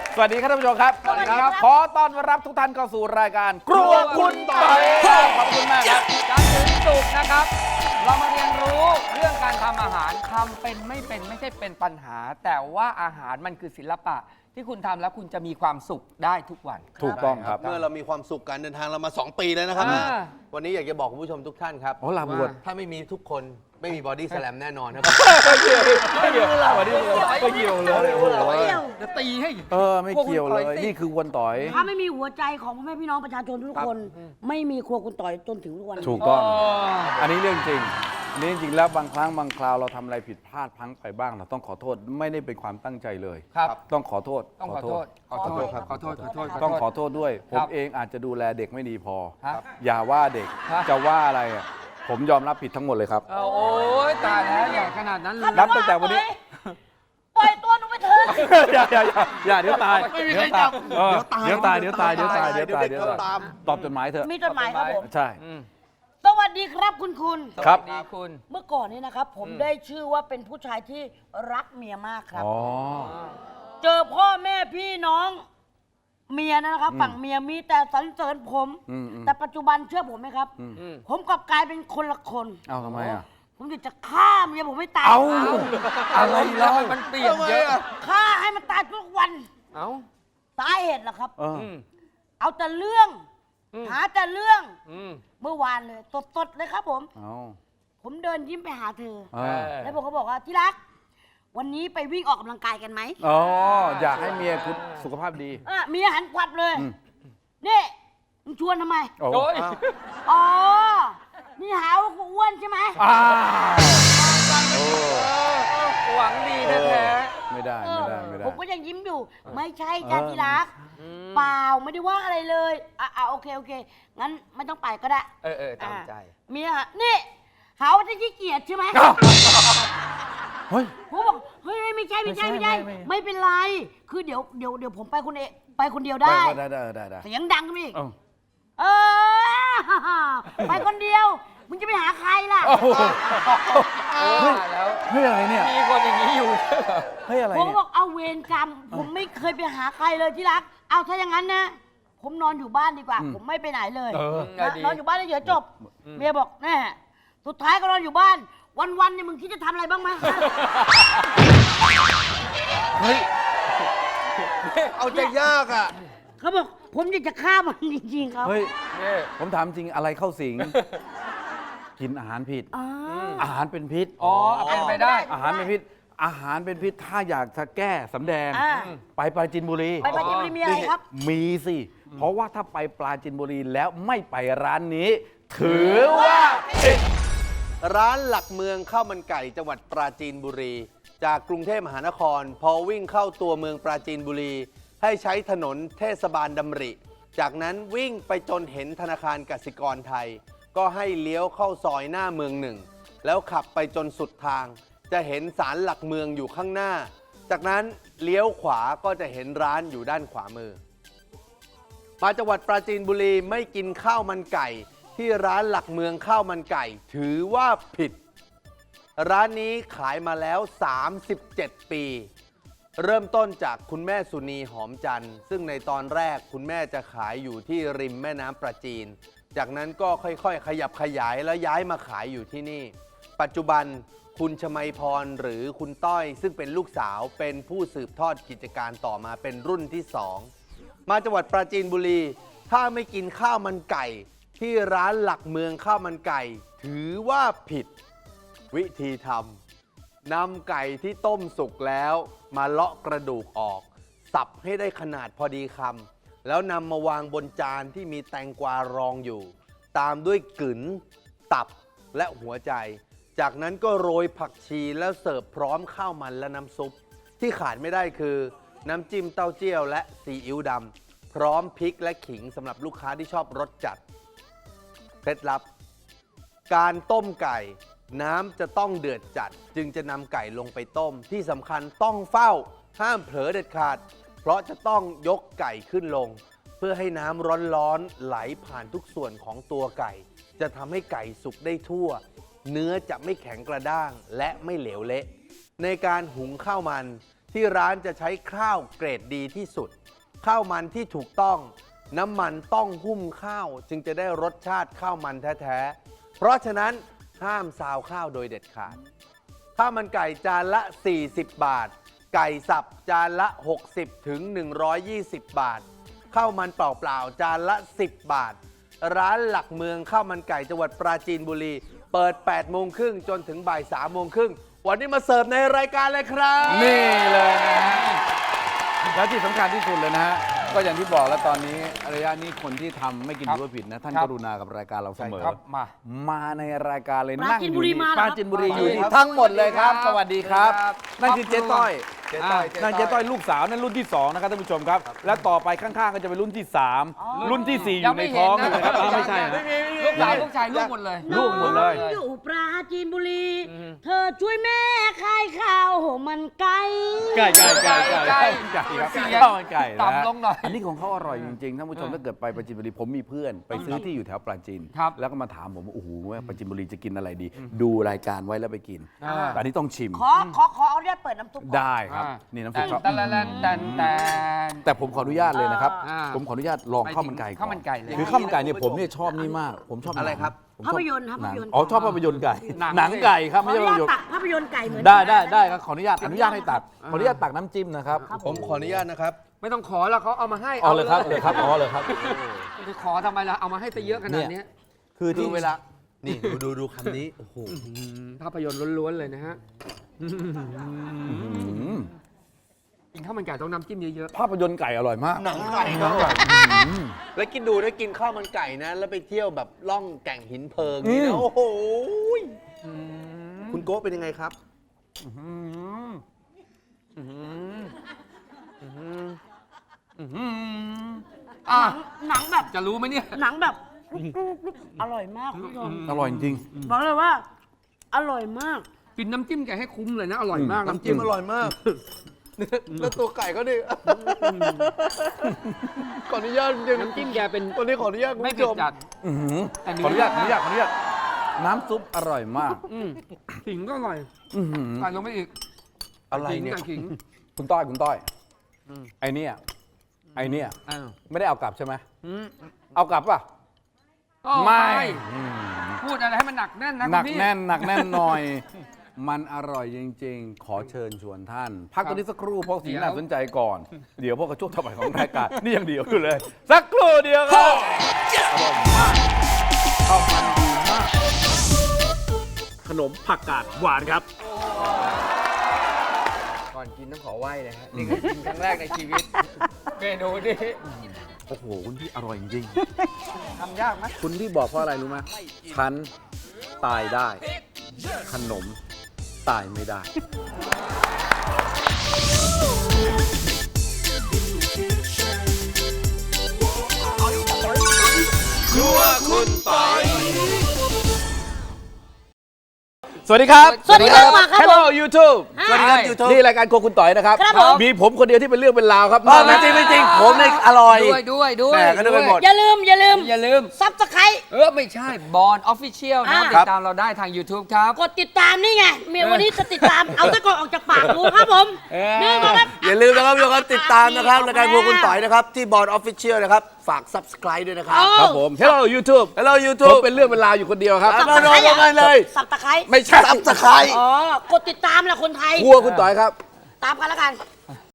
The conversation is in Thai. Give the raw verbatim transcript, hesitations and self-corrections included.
สวัสดีครับท่านผู้ชมครับสวัสดีครับขอต้อนรับทุกท่านเข้าสู่รายการครัวคุณต่อยขอบคุณมากครับจันทร์ถึงศุกร์นะครับ เรามาเรียนรู้เรื่องการทำอาหารทำเป็นไม่เป็นไม่ใช่เป็นปัญหา แต่ว่าอาหารมันคือศิลปะที่คุณทำแล้วคุณจะมีความสุขได้ทุกวันถูกต้องครับเมื่อเรามีความสุขการเดินทางเรามาสองปีแล้วนะครับอ่าวันนี้อยากจะบอกคุณผู้ชมทุกท่านครับโอ้ลาบวชถ้าไม่มีทุกคนไม่มีบอดี้สแลมแน่นอนนะครับไม่เกี่ยวไม่เกี่ยวไม่เกี่ยวไม่เกี่ยวเลยโอ้โหจะตีให้เออไม่เกี่ยวเลยนี่คือวนต่อยถ้าไม่มีหัวใจของพ่อแม่พี่น้องประชาชนทุกคน ไม่มีครัวคุณต่อยจนถึงทุกวันนี้ถูกต้อง อันนี้เรื่องจริงอันนี้จริงๆแล้วบางครั้งบางคราวเราทำอะไรผิดพลาดพลั้งไปบ้างเราต้องขอโทษไม่ได้เป็นความตั้งใจเลยครับต้องขอโทษต้องขอโทษ ขอโทษครับขอโทษขอโทษต้องขอโทษด้วยคผรัมบเองอาจจะดูแลเด็กไม่ดีพอครับอย่าว่าเด็กครับจะว่าอะไรอ่ะผมยอมรับผิดทั้งหมดเลยครับเอาโอ้ยตายแล้วอย่าขนาดนั้นเลยนับตั้งแต่วันนี้ปล่อยตัวหนูไปเถอะอย่าอย่าอย่าอย่าเดี๋ยวตายไม่มีใครจับเออเดี๋ยวตายเดี๋ยวตายเดี๋ยวตายเดี๋ยวตายเดี๋ยวตายเดี๋ยวเด็กเขาตามตอบจดหมายเถอะมีจดหมายครับผมใช่อืมสวัสดีครับคุณคุณครับสวัสดีคุณเมื่อก่อนนี้นะครับ ผมได้ชื่อว่าเป็นผู้ชายที่รักเมียมากครับอ๋อเจอพ่อแม่พี่น้อง เมียนะครับ ฝั่งเมียมีแต่สรรเสริญผมอืมอืมแต่ปัจจุบันเชื่อผมไหมครับอืมผมกลับกลายเป็นคนละคนเอาทำไมอ่ะผมอยากจะฆ่าเมียผมไม่ตายเอาอะไรเล่ามันเปลี่ยนเยอะฆ่าให้มันตายทุกวันเอ้าสาเหตุล่ะครับเอออืมเอาแต่เรื่องอืมหาแต่เรื่องอืมเมื่อวานเลยสดๆเลยครับผมเอาผมเดินยิ้มไปหาเธอเออแล้วผมก็บอกว่าที่รัก วันนี้ไปวิ่งออกกำลังกายกันไหมอ๋ออยากให้เมียคุณสุขภาพดีอ่ะเมียหันกวับเลยอืมนี่มึงชวนทำไมโอ้โอ้ยอ๋อ นี่หาว่ากูอ้วนใช่ไหมอ้าวโอ้หวังดีแท้ไม่ได้เอไม่อได้ไม่ได้ผมก็ยังยิ้มอยู่ ไม่ใช่จ้าเออที่รักๆอืมเปล่าไม่ได้ว่าอะไรเลยอ่ะอ่ะโอเคโอเค งั้นไม่ต้องไปก็ได้เออเออตามใจอ่ะเมียฮะนี่หาว่าจะขี้เกียจใช่ไหมอ้าวเฮ้ยผมบอกเฮ้ยไม่ใช่ไม่ใช่ไม่ใช่ไม่ใช่ไม่ไม่เป็นไร คือเดี๋ยวเดี๋ยวเดี๋ยวผมไปคนเองไปคนเดียวได้ได้ได้ได้ได้เสียงดังขึ้นมาอีกเอ้าเออ ไปคนเดียว มึงจะไปหาใครล่ะโอ้โหเออแล้วเฮ้ยอะไรเนี่ยมีคนอย่างนี้อยู่ด้วยเหรอเฮ้ยอะไรผมก็เนี่ยบอกเอาเวรกรรม ผมไม่เคยไปหาใครเลยที่รัก เอาถ้าอย่างนั้นนะ ผมนอนอยู่บ้านดีกว่า ผมไม่ไปไหนเลยเออนะนอนอยู่บ้านเฉยๆจบ เมียบอกแน่สุดท้ายก็นอนอยู่บ้าน วันๆเนี่ยมึงคิดจะทำอะไรบ้างไหมเฮ้ยเอาใจยากอ่ะเขาบอกผมอยากจะฆ่ามันจริงๆครับเฮ้ยนี่ผมถามจริงอะไรเข้าสิง กินอาหารผิดอ่าอาหารเป็นพิษอ๋อเอาเป็นไปได้อาหารเป็นพิษ อาหารเป็นพิษ ถ้าอยากจะแก้สำแดงอ่าไปปราจีนบุรีไปปราจีนบุรีมีอะไรครับมีสิ เพราะว่าถ้าไปปราจีนบุรีแล้วไม่ไปร้านนี้ ถือว่าผิดร้านหลักเมืองข้าวมันไก่จังหวัดปราจีนบุรี จากกรุงเทพมหานคร พอวิ่งเข้าตัวเมืองปราจีนบุรี ให้ใช้ถนนเทศบาลดำริ จากนั้นวิ่งไปจนเห็นธนาคารกสิกรไทย ก็ให้เลี้ยวเข้าซอยหน้าเมืองหนึ่ง แล้วขับไปจนสุดทาง จะเห็นศาลหลักเมืองอยู่ข้างหน้า จากนั้นเลี้ยวขวาก็จะเห็นร้านอยู่ด้านขวามือ มาจังหวัดปราจีนบุรีไม่กินข้าวมันไก่ ที่ร้านหลักเมืองข้าวมันไก่ ถือว่าผิด ร้านนี้ขายมาแล้ว สามสิบเจ็ด ปี เริ่มต้นจากคุณแม่สุนีหอมจันทร์ซึ่งในตอนแรกคุณแม่จะขายอยู่ที่ริมแม่น้ำประจีน จากนั้นก็ค่อยๆ ขยับขยายแล้วย้ายมาขายอยู่ที่นี่ ปัจจุบันคุณชมัยพรหรือคุณต้อย ซึ่งเป็นลูกสาวเป็นผู้สืบทอดกิจการต่อมาเป็นรุ่นที่สอง มาจังหวัดปราจีนบุรี ถ้าไม่กินข้าวมันไก่ ที่ร้านหลักเมืองข้าวมันไก่ ถือว่าผิด วิธีทำนำไก่ที่ต้มสุกแล้วมาเลาะกระดูกออก สับให้ได้ขนาดพอดีคำแล้วนำมาวางบนจานที่มีแตงกวารองอยู่ ตามด้วยกึ๋นตับและหัวใจ จากนั้นก็โรยผักชีแล้วเสิร์ฟพร้อมข้าวมันและน้ำซุป ที่ขาดไม่ได้คือ น้ำจิ้มเต้าเจี้ยวและซีอิ๊วดำพร้อมพริกและขิงสำหรับลูกค้าที่ชอบรสจัดเคล็ดลับ การต้มไก่น้ำจะต้องเดือดจัด จึงจะนำไก่ลงไปต้มที่สำคัญต้องเฝ้าห้ามเผลอเด็ดขาด เพราะจะต้องยกไก่ขึ้นลง เพื่อให้น้ำร้อนๆไหลผ่านทุกส่วนของตัวไก่ จะทำให้ไก่สุกได้ทั่ว เนื้อจะไม่แข็งกระด้างและไม่เหลวเละ ในการหุงข้าวมันที่ร้านจะใช้ข้าวเกรดดีที่สุด ข้าวมันที่ถูกต้อง น้ำมันต้องหุ้มข้าวจึงจะได้รสชาติข้าวมันแท้ๆเพราะฉะนั้นห้ามซาวข้าวโดยเด็ดขาดข้าวมันไก่จานละ สี่สิบบาท ไก่สับจานละ หกสิบถึงหนึ่งร้อยยี่สิบ บาทข้าวมันเปล่าๆจานละ สิบ บาท ร้านหลักเมืองข้าวมันไก่จังหวัดปราจีนบุรีเปิด แปดโมงครึ่งจนถึงบ่าย สามโมงครึ่งวันนี้มาเสิร์ฟในรายการเลยครับนี่เลยนะฮะแล้วที่สำคัญที่สุดเลยนะฮะก็อย่างที่บอกแล้วตอนนี้ระยะนี้คนที่ทำไม่กินครับถือว่าผิดนะท่านครักบรุณากับรายการเราเสมอครับมามาในรายการเลยปรานั่งจีนอบุยู่รีนี่มาเหรอปราจีนบุรีอยู่นี่ครับทั้งหมดเลยครับ สวัสดีครับครับนั่นคือเจ๊ต้อยเจ๊ต้อยนั่นเจ๊ต้อยลูกสาวนั่นรุ่นที่สองนะครับท่านผู้ชมครับ และต่อไปข้างๆก็จะเป็นรุ่นที่สามรุ่นที่สี่อยังยู่ในไม่เห็ท้นองนะเลยครับอ้าวไม่ใช่นะลูกสาวลูกชายลูกหมดเลยลูกหมดเลยน้องอยู่ปราจีนบุรี เธอช่วยแม่ขายข้าวมันไก่ไก่ไก่ไก่ไก่ไก่ไก่ครับเสียงข้าวมันไก่นะต่ำลงหน่อยอันนี้ของเขาอร่อยจริงๆท่านผู้ชมถ้าเกิดไปปราจีนบุรีผมมีเพื่อนไปซื้อที่อยู่แถวปราจีนครับแล้วก็มาถามผมว่าโอ้โหว่าปราจีนบุรีจะกินอะไรดี ดูรายการไว้แล้วไปกินอ่าอันนี้ต้องชิมขอขอขอเอาเรียกเปิดน้ำซุปก่อนได้ครับอ่านี่น้ำแต่ซุปครับแต่ละแลนแต่แต่แต่ผมขออนุญาตเลยนะครับอ่าผมขออนุญาตลองข้าวมันไก่ข้าวมันไก่เลยคือข้าวมันไก่เนี่ยผมเนี่ยชอบนี่มาก ผมชอบอะไรครับผมชอบภาพยนตร์ครับหนังภาพยนตร์อ๋อชอบภาพยนตร์ไก่หนังหนังไก่ครับขอไม่อใช่นุภาญาพตยนตตัร์กภาพยนตร์ไก่เหมือนได้กันได้นะได้ครับขออนุญาตอนุญาตให้ตักขออนุญาตตักน้ำจิ้มนะครับผมขออนุญาตนะครับไม่ต้องขอแล้วเขาเอามาให้เอาเลยครับเลยครับอ๋อเลยครับจะขอทำไมล่ะเอามาให้ซะเยอะขนาดเนี้ยคือคืที่อเวลา นี่ดูดูดูคำนี้ โอ้โหอืมภาพยนตร์ล้วนๆเลยนะฮะอืมกินข้าวมันไก่ต้องน้ำจิ้มเยอะภาพยนตร์ไก่อร่อยมากหนังไก่ครับอืมแล้วกินดูได้กินข้าวมันไก่นะ แล้วไปเที่ยวแบบล่องแก่งหินเพลิงนี่อืนะมโอ้โหๆอืมคุณโก้เป็นยังไงครับอืมอืมอืมอืมอ่ะหนังแบบจะรู้ไหมเนี่ยหนังแบบอร่อยมากคุณผู้ชมอร่อยจริงบอกเลยว่า อร่อยมากกินน้ำจิ้มไก่ให้คุ้มเลยนะ อร่อยมากน้ำจิ้มอร่อยมาก แล้วตัวไก่ก็ดิขออนุญาตจริงน้ำจิ้มแกเป็นวันนี้ขออนุญาตคุณไม่ผู้เผ็ชดมจัดอื้อหือแต่เนื้ขออนุญาตขออนุญาตขออนุญาตน้ำซุปอร่อยมากอืมขิงก็อร่อยอื้อหือใส่ลงไปอีกอะไรขิงเนี่ยไก่ขิงคุณต้อยคุณต้อยอืมไอเนี่ยไอเนี่ยอ้าวไม่ได้เอากลับใช่ไหมอืมเอากลับป่ะอ้อไม่ อืมพูดอะไรให้มันหนักแน่นนะหนักคุณพี่แน่นหนักแน่นหน่อย มันอร่อยจริง ๆ ขอเชิญชวนท่าน พักตรงนี้สักครู่เพราะสิ่งเดี๋ยวน่าสนใจก่อน เดี๋ยวพวกกระช่วงต่อไปของรายการ นี่ยังเดียวอยู่เลย สักครู่เดียวครับอร่อยมากข้าวมันดีมาก ขนมผักกาดหวานครับก่อนกินต้องขอไหว้เลยฮะนี่คือกินครั้งแรกในชีวิต เมนูนี้โอ้โห คุณพี่อร่อยจริงทำยากไหมๆ คุณพี่บอกเพราะอะไรรู้ไหมฉันตายได้ ขนมตายไม่ได้ สวัสดีครับสวัสดีครับมาครับ Hello YouTube สวัสดีครับ YouTube นี่รายการโครัวคุณต่อยนะครับครับผมมีผมคนเดียวที่เป็นเรื่องเป็นราวครับไม่จริงไม่จริง ผมเนี่ยอร่อยด้วยด้วยด้วยแหม่ก็นึกไปหมดอย่าลืม อย่าลืมอย่าลืมซับสไครเออ ไม่ใช่บอลออฟฟิเชียลนะครับอ่าติดตามเราได้ทาง YouTube ครับกดติดตามนี่ไง เมียวันนี้จะติดตาม เอาตะกอนออกจากปากดูครับผมเออนี่นะครับอย่าลืมนะครับทุกคนติดตามนะครับรายการพวกคุณต่อยนะครับ ที่บอร์ดออฟฟิเชียลนะครับ ฝาก subscribe ด้วยนะครับเอาครับผม Hello YouTube Hello ผม YouTube เป็นเรื่องเป็นราวอยู่คนเดียวครับครับ มาโดนกันเลยสับตะไคร้ไม่ใช่ subscribe อ๋อ กดติดตามแหละคนไทยครัวคุณต่อยครับตามกันแล้วกัน